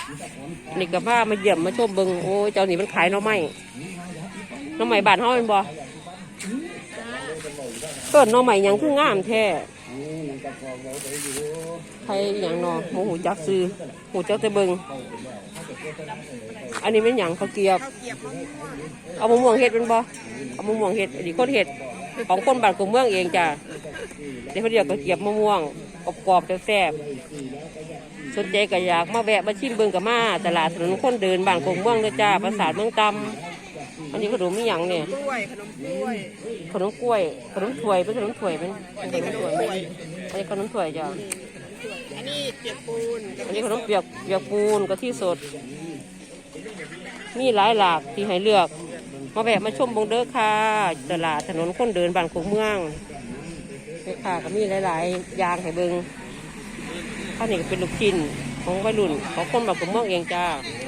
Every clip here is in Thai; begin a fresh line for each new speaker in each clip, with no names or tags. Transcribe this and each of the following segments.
นี่กับว่ามาเยี่ยมมาชมเบิงโอ้เจ้านี่มันขายหน่อไม้บ้านเฮาเป็นบ่เกิดหน่อไม้ยังคืองามแท้ใครอย่างนอโมโหจักซื้อหูเจ้าแต่เบิงอันนี้เป็นอย่างข้าวเกี๊ยวเอามะม่วงเห็ดเป็นบ่เอามะม่วงเห็ดอันนี้คนเห็ดของคนบ้านกรุงเมืองเองจ้ะเดี๋ยวเขาเรียกข้าวเกี๊ยวมะม่วงกรอบๆแซ่บสนใจก็อยากมาแวะมาชิมเบิงกับมาตลาดถนนคนเดินบ้านกรุงเมืองเลยจ้าปราสาทเมืองตำอันนี้ขนมมีอย่างเนี่ยขนมกล้วยขนมถ้วยเป็นขนมถ้วยเป็นขนมถ้วยอันนี้ขนมถ้วยจ้ะ
อันนี้เปียกปูน
อันนี้ขนมเปียกปูนกะทิสดมีหลายหลากที่ให้เลือกมาแวะมาชมบงเด้อค่ะตลาดถนนคนเดินบ้านกรุงเมืองนี่ค่ะก็มีหลายๆอย่างให้เบิงข้าวนี่ก็เป็นลูกชิ้นของวัยรุ่นของคนบ้านกรุงเมืองเองจ้า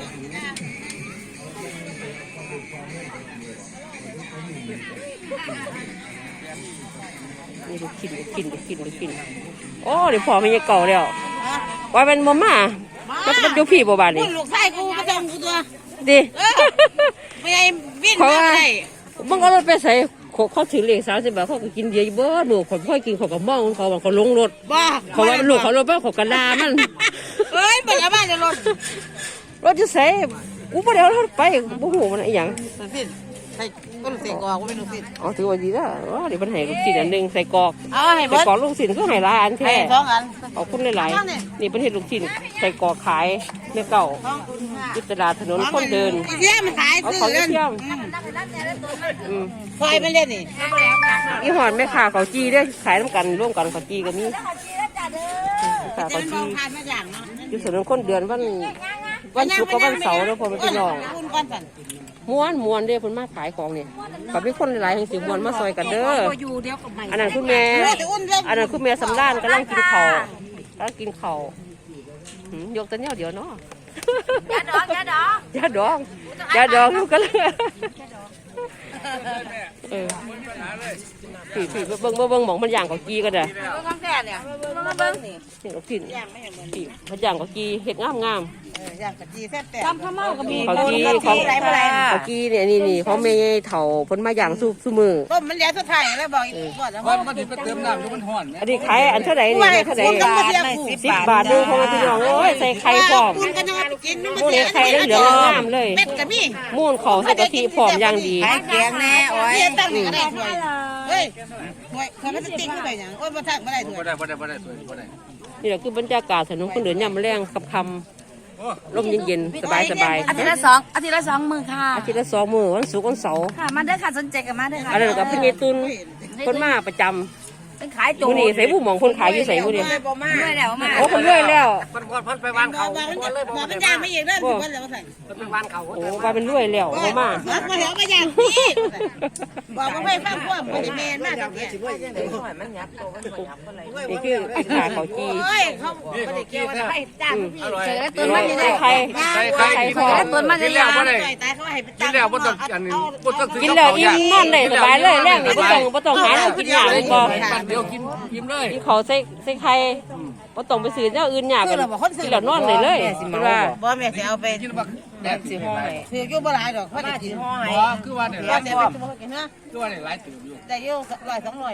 นี่ลูกชิ้นโอ้เดี๋ยวพอมันยังเก่าแล้วว่าเป็นมอม่าแล้วมันอยู่พี่บ่บ้านนี่
ลูกชายกูมาจังกูตัว
ดิ
ไม่ไอ้วิ่งมาได้
มึงเอารถไปใส่เขาถือเหล็ก30 บาทเขาก็กินเบียร์เบ้อหนูเขาค่อยกินเขาก็มองเขาลงรถเขาว่าลูกเขารถบ้าเขากระดามัน
เฮ้ยมันจะบ้านจะรถ
จะใส่กูไม่ได้เอารถไปบุ้งหูมันอะไรอย่าง
ใส่ก็ลูกใส่กอกกูไม่ลูกศิษย์
อ๋อถือว่าดีแล้วเดี๋ยวมันให้ลูกศิษย์อันหนึ่งใส่กอก
ให้
ใส่กอกลูกศิษย์ก็ให้หลายอันแท้
2 อัน
เอาคุณหลายๆนี่เป็นเห็ดลูกศิษย์ใส่กอกขายเมื่อเก่ายุตลาดถนนคนเดิน
เยี่ยมขายซื้อ
เยี่ยม
ไฟมันเล่นนี่
ยี่ห้อแม่ค้าเขาจีได้ขายน้ำกันร่วมกันเขาจีก็มีค่ะเขาจียุถนนคนเดินวันศุกร์กับวันเสาร์แล้วพอมันเป็นน้องม้วนเด้อคนมาขายของเนี่ยกับมีคนหลายๆแห่งสิม้วนมาซอยกันเด้ออันนั้นคุณแม่สำรานกำลังกินข้าวยกตัวเนี้ยเดี๋ยวเนาะยาดองลูกกันเลยผีเบิ้งหมองมันย่างกับกีกันเลยนี่ลูกชิ้นผีมันย่างกับกีเห็ดงาม
ย่างกะจีแซ่บแต่
ทำข้าวเม่าก็มีเขากีนี่เขาไม่เถ่าพ้นมาอย่างสู้มือ
ต้มมันแล้วสุดท้ายแล้วบอก
ว่ามันจะเติมน้ำแล้วมันห่อน
อันนี้ขายอันเท่าไหร่นี่เท่าไหร่10 บาทดูของพี่น้องโอ้ยใส่ไข่พร้อมมูนไข่เหลืองงามเลยมูนของใส่กะทิพร้อมอย่างดี
ไข่แกงแน่โอ้ยตั้งนี่ก็ได้ถ้วยเฮ้ยถ้วยมันจะติ้งไปอย่างโอ้ยมาทักไม่ได้ถ้วย
นี่แหละคือบรรยากาศถนนคนเดินย่ำแรงคำร่มเย็นๆสบาย
อาทิตย์ละ2 มื้อค่ะ
อาทิตย์ละ2 มื้อวันศุกร์วันเสาร์
ค่ะมาเด้อค่ะสนใจกันมาเด้อค่ะ
อะไรกับพี่เนตุนคนมาประจำ
เป็นขายโจ
นี่ใส่ผู้หมองคนขายอยู่ใส่ผู้เดียว
ด้วยแล้วมา
โอ้คนเรื่อยแล้ว
พันไปวานเขา
มันย่างไม่เองเด้อถึงวันแล้วใส่
เป็นวานเขา
โอ้ว่าเป็นเรื่อยแล้วมา
มาเหรอมาย่างพี่บอกว่าไม่ฟังความไม่ได้แมนมาก
นี่คือขาเขาจี
เขาไม่ได้เกี่ยวอะไรจ้างพี่
เจอตัวมันยังไง
ใคร
ตัวมันยังไง
กินแล้วอิ่มนอนเลยสบายเลยแรงนี่บ่ต้องหากินยากเลยบ่
เดี๋ยวกินยิ้มเลย
กินเขาใส่ไข่บ่ต้องไปซื้อเจ้าอื่นยากกันกินแล้วนอนเลยว่า
บ่แม่สิเอาไป
กินแบบสิห่อให้
ถืออยู่บ่หลายดอกเพราะจะกินห่อให้
คือว่าเนี่ย
คือว่าเนี่ยหลายตื่นอยู่
ได้อยู่
100-200